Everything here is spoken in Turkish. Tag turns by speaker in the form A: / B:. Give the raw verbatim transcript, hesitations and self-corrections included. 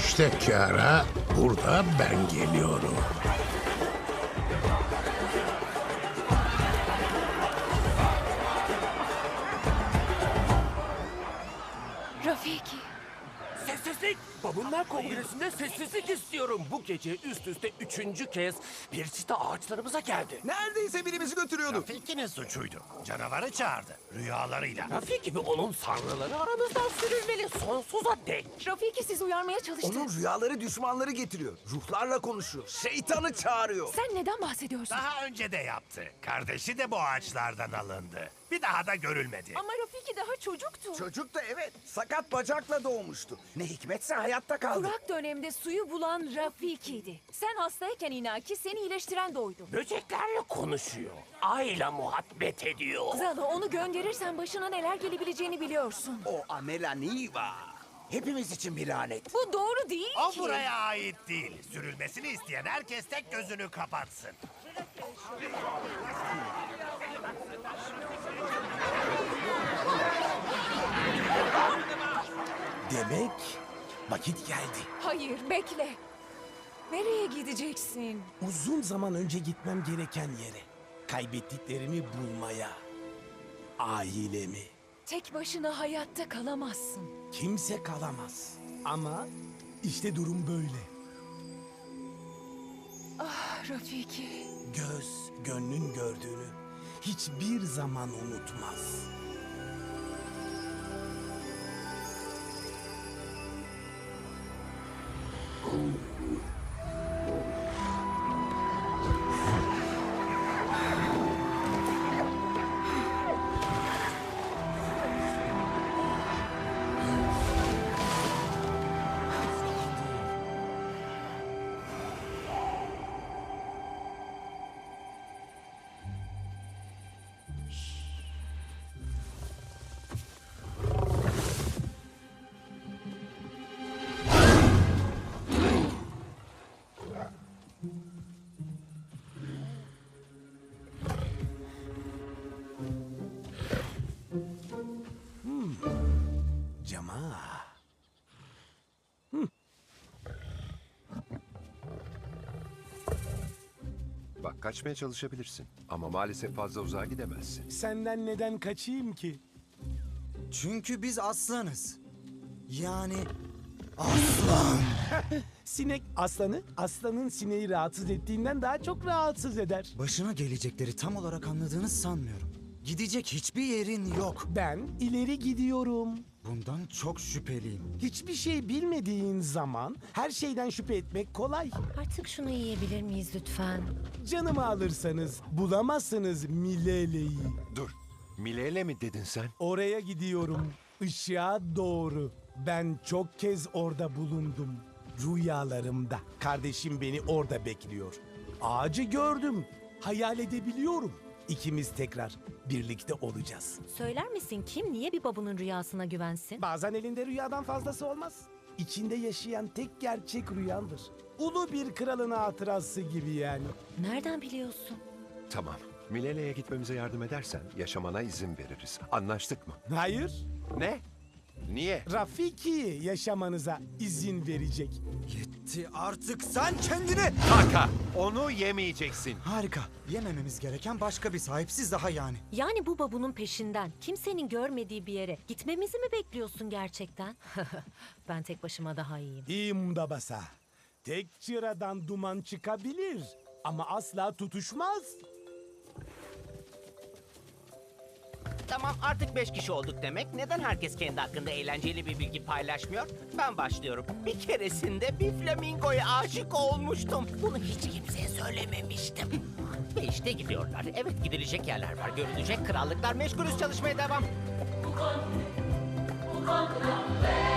A: İşte Kiara, burada ben geliyorum.
B: Rafiki.
C: Sessizlik! Babunlar Kongresi'nde sessizlik istiyorum. Bu gece üst üste üçüncü kez bir çita ağaçlarımıza geldi.
D: Neredeyse birimizi götürüyordu.
E: Rafiki'nin suçuydu. Canavarı çağırdı. Rüyalarıyla.
C: Rafik gibi onun sanrıları aramızdan sürülmeli sonsuza dek.
B: Rafiki sizi uyarmaya çalıştı.
D: Onun rüyaları düşmanları getiriyor. Ruhlarla konuşuyor. Şeytanı çağırıyor.
B: Sen neden bahsediyorsun?
E: Daha önce de yaptı. Kardeşi de bu ağaçlardan alındı. Bir daha da görülmedi.
B: Ama Rafiki daha çocuktu.
D: Çocuk da evet sakat bacakla doğmuştu. Ne hikmetse hayatta kaldı.
B: Kurak dönemde suyu bulan Rafiki'ydi. Sen hastayken inaki seni iyileştiren de oydu.
C: Böceklerle konuşuyor. Ayla muhabbet ediyor.
B: Zalo onu gönderirsen başına neler gelebileceğini biliyorsun.
D: O Amela Niva. Hepimiz için bir lanet.
B: Bu doğru değil
E: O
B: ki.
E: buraya ait değil. Sürülmesini isteyen herkes tek gözünü kapatsın.
F: Demek vakit geldi.
B: Hayır bekle. Nereye gideceksin?
F: Uzun zaman önce gitmem gereken yere. Kaybettiklerimi bulmaya. Ailemi.
B: Tek başına hayatta kalamazsın.
F: Kimse kalamaz. Ama işte durum böyle.
B: Ah Rafiki.
F: Göz gönlün gördüğünü hiçbir zaman unutmaz. Cama.
G: Bak kaçmaya çalışabilirsin ama maalesef fazla uzağa gidemezsin.
F: Senden neden kaçayım ki?
H: Çünkü biz aslanız. Yani aslan.
F: Sinek aslanı, aslanın sineği rahatsız ettiğinden daha çok rahatsız eder.
H: Başına gelecekleri tam olarak anladığını sanmıyorum. Gidecek hiçbir yerin yok.
F: Ben ileri gidiyorum.
H: Bundan çok şüpheliyim.
F: Hiçbir şey bilmediğin zaman her şeyden şüphe etmek kolay.
I: Artık şunu yiyebilir miyiz lütfen?
F: Canımı alırsanız bulamazsınız Milele'yi.
G: Dur. Milele mi dedin sen?
F: Oraya gidiyorum. Işığa doğru. Ben çok kez orada bulundum. Rüyalarımda. Kardeşim beni orada bekliyor. Ağacı gördüm. Hayal edebiliyorum. İkimiz tekrar birlikte olacağız.
I: Söyler misin kim niye bir babunun rüyasına güvensin?
F: Bazen elinde rüyadan fazlası olmaz. İçinde yaşayan tek gerçek rüyandır. Ulu bir kralın hatırası gibi yani.
I: Nereden biliyorsun?
G: Tamam. Milele'ye gitmemize yardım edersen yaşamana izin veririz. Anlaştık mı?
F: Hayır,
G: Ne? Niye?
F: Rafiki yaşamanıza izin verecek.
H: Yetti artık sen kendini.
G: Taka! Onu yemeyeceksin.
H: Harika. Yemememiz gereken başka bir sahipsiz daha yani.
I: Yani bu babunun peşinden kimsenin görmediği bir yere gitmemizi mi bekliyorsun gerçekten? Ben tek başıma daha iyiyim.
F: İmda basa. Tek çıradan duman çıkabilir ama asla tutuşmaz.
J: Tamam artık beş kişi olduk demek. Neden herkes kendi hakkında eğlenceli bir bilgi paylaşmıyor? Ben başlıyorum. Bir keresinde bir flamingoya aşık olmuştum. Bunu hiç kimseye söylememiştim. Ve işte gidiyorlar. Evet gidilecek yerler var. Görülecek krallıklar. Meşgulüz çalışmaya devam.